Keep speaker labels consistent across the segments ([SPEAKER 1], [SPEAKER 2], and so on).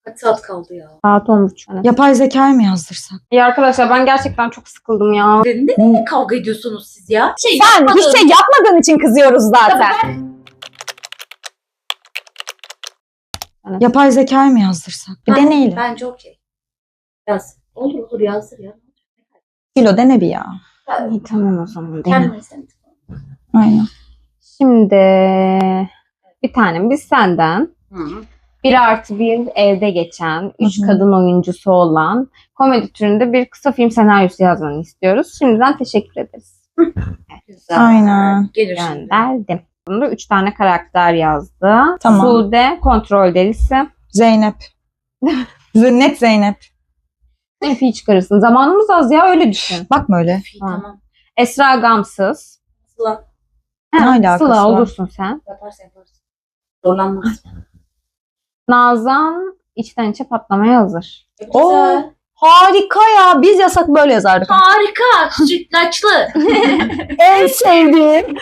[SPEAKER 1] Kaç saat kaldı ya?
[SPEAKER 2] Saat 10.30. Evet.
[SPEAKER 3] Yapay zekayı mı yazdırsak?
[SPEAKER 2] İyi arkadaşlar ben gerçekten çok sıkıldım ya.
[SPEAKER 1] Ne kavga ediyorsunuz siz ya?
[SPEAKER 3] Sen hiç şey yapmadığın için kızıyoruz zaten.
[SPEAKER 2] Evet.
[SPEAKER 3] Yapay zekayı mı yazdırsak? Bir deneyelim.
[SPEAKER 1] Bence okey. Yaz. Olur yazdır ya.
[SPEAKER 3] Kilo dene bir ya.
[SPEAKER 2] İyi tamam o zaman.
[SPEAKER 1] Kendine sen.
[SPEAKER 3] Aynen.
[SPEAKER 2] Şimdi bir tane biz senden 1+1 evde geçen 3
[SPEAKER 3] Hı hı.
[SPEAKER 2] kadın oyuncusu olan komedi türünde bir kısa film senaryosu yazmanı istiyoruz. Şimdiden teşekkür ederiz.
[SPEAKER 1] Güzel.
[SPEAKER 3] Aynen.
[SPEAKER 1] Gelir şimdi.
[SPEAKER 2] Gönderdim. Bunda 3 tane karakter yazdı.
[SPEAKER 3] Tamam.
[SPEAKER 2] Sude kontrol delisi.
[SPEAKER 3] Zeynep. Net Zeynep.
[SPEAKER 2] Nef'i çıkarırsın. Zamanımız az ya öyle düşün.
[SPEAKER 3] Bakma öyle.
[SPEAKER 1] Tamam.
[SPEAKER 2] Esra gamsız.
[SPEAKER 1] Sıla.
[SPEAKER 3] Ne alakası
[SPEAKER 2] Sıla
[SPEAKER 3] var?
[SPEAKER 2] olursun sen.
[SPEAKER 1] Yaparsın. Zorlanmaz.
[SPEAKER 2] Nazan içten içe patlamaya hazır.
[SPEAKER 1] Güzel.
[SPEAKER 3] Harika ya. Biz yasak böyle yazardık.
[SPEAKER 1] Harika. Sütlaçlı.
[SPEAKER 3] En sevdiğim.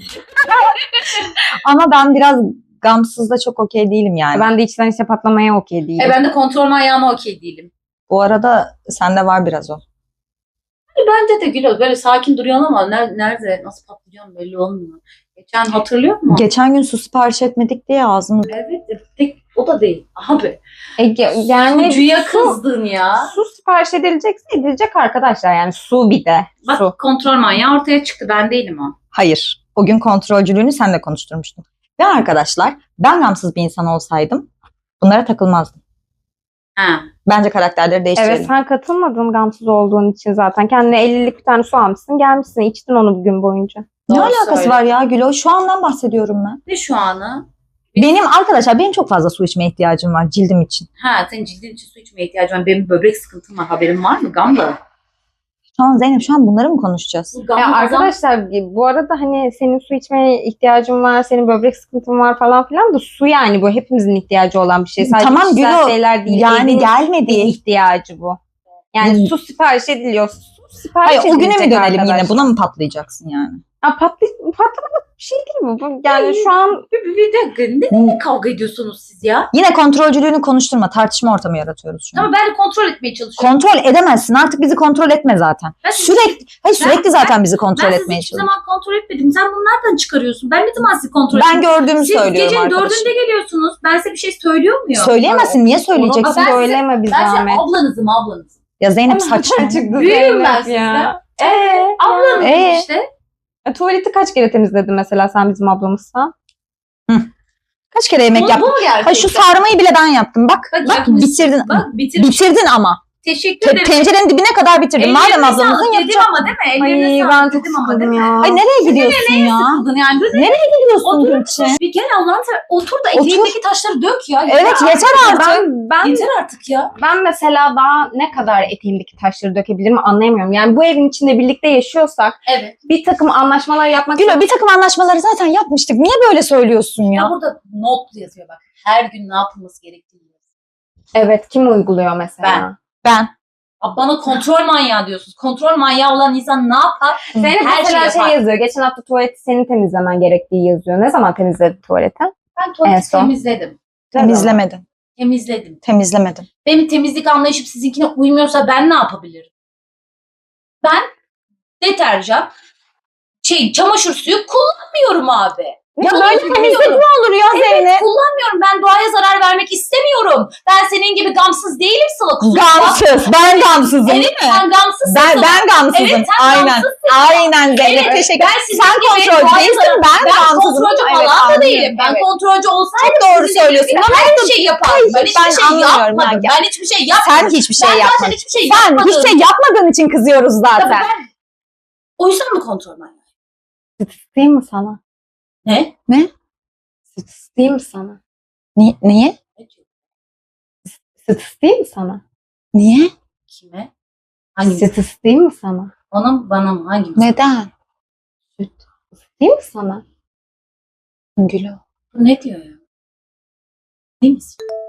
[SPEAKER 3] Ama ben biraz gamsızda çok okey değilim yani.
[SPEAKER 2] Ben de içten içe patlamaya okey değilim.
[SPEAKER 1] Ben de kontrol manyağıma okey değilim.
[SPEAKER 3] Bu arada sende var biraz o.
[SPEAKER 1] Bence de Güloz böyle sakin duruyorsun ama nerede nasıl patlıcan belli olmuyor. Geçen hatırlıyor musun?
[SPEAKER 3] Geçen gün su sipariş etmedik diye ağzımız...
[SPEAKER 1] Evet. O da değil. Abi.
[SPEAKER 2] Yani
[SPEAKER 1] Sucuya kızdın ya.
[SPEAKER 2] Su sipariş edilecekse edilecek arkadaşlar. Yani su bir de.
[SPEAKER 1] Bak
[SPEAKER 2] Su.
[SPEAKER 1] kontrol manyağı ortaya çıktı. Ben değilim o.
[SPEAKER 3] Hayır. O gün kontrolcülüğünü senle konuşturmuştum. Ve arkadaşlar ben gamsız bir insan olsaydım bunlara takılmazdım.
[SPEAKER 1] Ha.
[SPEAKER 3] Bence karakterleri değiştirelim.
[SPEAKER 2] Evet sen katılmadın gamsız olduğun için zaten. Kendine 50'lik bir tane su almışsın gelmişsin. İçtin onu bir gün boyunca.
[SPEAKER 3] Ne
[SPEAKER 1] Doğru
[SPEAKER 3] alakası
[SPEAKER 1] söyle.
[SPEAKER 3] var ya Gülo? Şu andan bahsediyorum ben.
[SPEAKER 1] Ne şu anı?
[SPEAKER 3] Benim çok fazla su içmeye ihtiyacım var cildim için.
[SPEAKER 1] Ha senin cildin için su içmeye ihtiyacın var. Benim böbrek sıkıntım var. Haberin var mı? Gamla.
[SPEAKER 3] Zeynep şu an bunları mı konuşacağız?
[SPEAKER 1] Bu gamla
[SPEAKER 2] Ya arkadaşlar bu arada hani senin su içmeye ihtiyacın var, senin böbrek sıkıntın var falan filan da su yani bu hepimizin ihtiyacı olan bir şey. Sadece
[SPEAKER 3] Tamam,
[SPEAKER 2] kişisel
[SPEAKER 3] Gülo,
[SPEAKER 2] şeyler değil.
[SPEAKER 3] yani
[SPEAKER 2] Evin
[SPEAKER 3] gelmedi.
[SPEAKER 2] bir ihtiyacı bu. Yani su sipariş ediliyor. Su sipariş
[SPEAKER 3] Hayır o güne mi
[SPEAKER 2] edilecek
[SPEAKER 3] dönelim yine?
[SPEAKER 2] arkadaşlar.
[SPEAKER 3] Buna mı patlayacaksın yani?
[SPEAKER 2] Ya patlamalık bir şey değil bu. Yani şu an
[SPEAKER 1] bir dakika. Ne kavga ediyorsunuz siz ya?
[SPEAKER 3] Yine kontrolcülüğünü konuşturma. Tartışma ortamı yaratıyoruz şu an.
[SPEAKER 1] Ama ben de kontrol etmeye çalışıyorum.
[SPEAKER 3] Kontrol edemezsin. Artık bizi kontrol etme zaten.
[SPEAKER 1] Ben
[SPEAKER 3] Sürekli zaten bizi kontrol
[SPEAKER 1] ben sizi
[SPEAKER 3] etmeye
[SPEAKER 1] hiçbir
[SPEAKER 3] çalışıyorsun.
[SPEAKER 1] zaman kontrol etmedim. Sen bunu nereden çıkarıyorsun? Ben ne zaman sizi kontrol
[SPEAKER 3] Ben
[SPEAKER 1] ettim?
[SPEAKER 3] gördüğümü
[SPEAKER 1] Siz
[SPEAKER 3] söylüyorum
[SPEAKER 1] gecenin
[SPEAKER 3] arkadaşım.
[SPEAKER 1] 4'ünde geliyorsunuz. Ben size bir şey söylüyor muyum?
[SPEAKER 3] Söyleyemezsin. Niye
[SPEAKER 2] onu
[SPEAKER 3] söyleyeceksin?
[SPEAKER 1] Ben size-
[SPEAKER 2] söyleme bir
[SPEAKER 1] Ben
[SPEAKER 2] zahmet.
[SPEAKER 1] size ablanızım.
[SPEAKER 3] Ya Zeynep saçma.
[SPEAKER 1] Büyüğüm ben sizden. Ablanızım işte.
[SPEAKER 2] Tuvaleti kaç kere temizledin mesela sen bizim ablamızsan?
[SPEAKER 3] Kaç kere yemek
[SPEAKER 1] Bu
[SPEAKER 3] yaptın?
[SPEAKER 1] mu gerçekten?
[SPEAKER 3] Ha, şu sarmayı bile ben yaptım. Bak bitirdin.
[SPEAKER 1] Bak bitirmiş.
[SPEAKER 3] Bitirdin ama.
[SPEAKER 1] Teşekkür ederim.
[SPEAKER 3] Tencerenin dibine kadar bitirdin. Madem
[SPEAKER 1] Ellerine
[SPEAKER 3] ablamızın
[SPEAKER 1] sağlık dedim
[SPEAKER 3] yapacak.
[SPEAKER 1] ama değil mi? Ellerine
[SPEAKER 2] Ay
[SPEAKER 1] sağlık
[SPEAKER 2] ben çok
[SPEAKER 1] dedim ama değil
[SPEAKER 2] sıkıldım
[SPEAKER 1] mi?
[SPEAKER 2] ya.
[SPEAKER 3] Ay nereye gidiyorsun ya?
[SPEAKER 1] Sıkıldın yani.
[SPEAKER 3] Nereye gidiyorsun
[SPEAKER 1] Otur.
[SPEAKER 3] Gülçin?
[SPEAKER 1] Bir gel Allah'ın seversen otur da eteğindeki taşları dök ya.
[SPEAKER 3] Evet yeter artık.
[SPEAKER 2] Ben
[SPEAKER 1] Yeter artık ya.
[SPEAKER 2] ben mesela daha ne kadar eteğimdeki taşları dökebilirim anlayamıyorum. Yani bu evin içinde birlikte yaşıyorsak
[SPEAKER 1] Evet.
[SPEAKER 2] bir takım anlaşmalar yapmak
[SPEAKER 3] Gülo bir takım anlaşmaları zaten yapmıştık. Niye böyle söylüyorsun
[SPEAKER 1] Ya
[SPEAKER 3] ya?
[SPEAKER 1] burada not yazıyor bak. Her gün ne yapılması gerektiği yazıyor.
[SPEAKER 2] Evet kim uyguluyor mesela?
[SPEAKER 3] Ben.
[SPEAKER 1] Abi bana kontrol manyağı diyorsunuz. Kontrol manyağı olan insan ne yapar?
[SPEAKER 2] Senin
[SPEAKER 1] Her
[SPEAKER 2] mesela
[SPEAKER 1] şey yapar.
[SPEAKER 2] yazıyor. Geçen hafta tuvaleti senin temizlemen gerektiği yazıyor. Ne zaman temizledi tuvaleti?
[SPEAKER 1] Ben
[SPEAKER 2] En
[SPEAKER 1] tuvaleti
[SPEAKER 2] son.
[SPEAKER 1] temizledim.
[SPEAKER 3] Temizlemedin.
[SPEAKER 1] Temizledim. Benim temizlik anlayışım sizinkine uymuyorsa ben ne yapabilirim? Ben deterjan, çamaşır suyu kullanmıyorum abi.
[SPEAKER 3] Ya böyle temizlik mi olur ya
[SPEAKER 1] Evet,
[SPEAKER 3] Zeynep?
[SPEAKER 1] kullanmıyorum. Ben doğaya zarar vermek istemiyorum. Ben senin gibi gamsız değilim Sıla kuzum.
[SPEAKER 3] Gamsız. Ben gamsızım
[SPEAKER 1] Evet,
[SPEAKER 3] değil mi?
[SPEAKER 1] sen gamsızsın.
[SPEAKER 3] Ben gamsızım.
[SPEAKER 1] Evet, sen
[SPEAKER 3] Aynen.
[SPEAKER 1] gamsızsın.
[SPEAKER 3] Aynen Zeynep.
[SPEAKER 1] Evet,
[SPEAKER 3] Teşekkür
[SPEAKER 1] ben
[SPEAKER 3] ederim.
[SPEAKER 1] sizin
[SPEAKER 3] Sen
[SPEAKER 1] gibi
[SPEAKER 3] kontrolcü
[SPEAKER 1] doğaya
[SPEAKER 3] değilsin.
[SPEAKER 1] zarar-
[SPEAKER 3] Ben
[SPEAKER 1] Ben
[SPEAKER 3] gamsızım.
[SPEAKER 1] kontrolcü
[SPEAKER 3] Evet,
[SPEAKER 1] falan da
[SPEAKER 3] anlıyorum.
[SPEAKER 1] değilim. Ben
[SPEAKER 3] Evet.
[SPEAKER 1] kontrolcü olsaydım
[SPEAKER 3] Çok doğru
[SPEAKER 1] sizin
[SPEAKER 3] söylüyorsun
[SPEAKER 1] dediğiniz
[SPEAKER 3] ama
[SPEAKER 1] gibi her şeyi yapardım. Ben hiçbir
[SPEAKER 3] ben
[SPEAKER 1] şey
[SPEAKER 3] anlıyorum,
[SPEAKER 1] yapmadım.
[SPEAKER 3] ben-
[SPEAKER 1] Ben hiçbir şey yapmadım.
[SPEAKER 3] Sen hiçbir şey
[SPEAKER 1] Ben zaten
[SPEAKER 3] yapmadın.
[SPEAKER 1] hiçbir şey
[SPEAKER 3] Sen
[SPEAKER 1] yapmadım.
[SPEAKER 3] hiç şey yapmadığın için kızıyoruz
[SPEAKER 1] Tabii
[SPEAKER 3] zaten.
[SPEAKER 1] ben o yüzden mi kontrol manyağı?
[SPEAKER 2] Değil mi sana?
[SPEAKER 1] Ne?
[SPEAKER 2] Değil mi sana?
[SPEAKER 3] Niye?
[SPEAKER 2] Sıtıs değil mi sana?
[SPEAKER 3] Niye?
[SPEAKER 1] Kime? Hangimiz?
[SPEAKER 2] Sıtıs değil mi sana?
[SPEAKER 1] Ona mı bana mı? Hangimiz?
[SPEAKER 3] Neden?
[SPEAKER 2] Değil mi sana?
[SPEAKER 3] Gülo.
[SPEAKER 1] Ne diyor ya? Değil misin?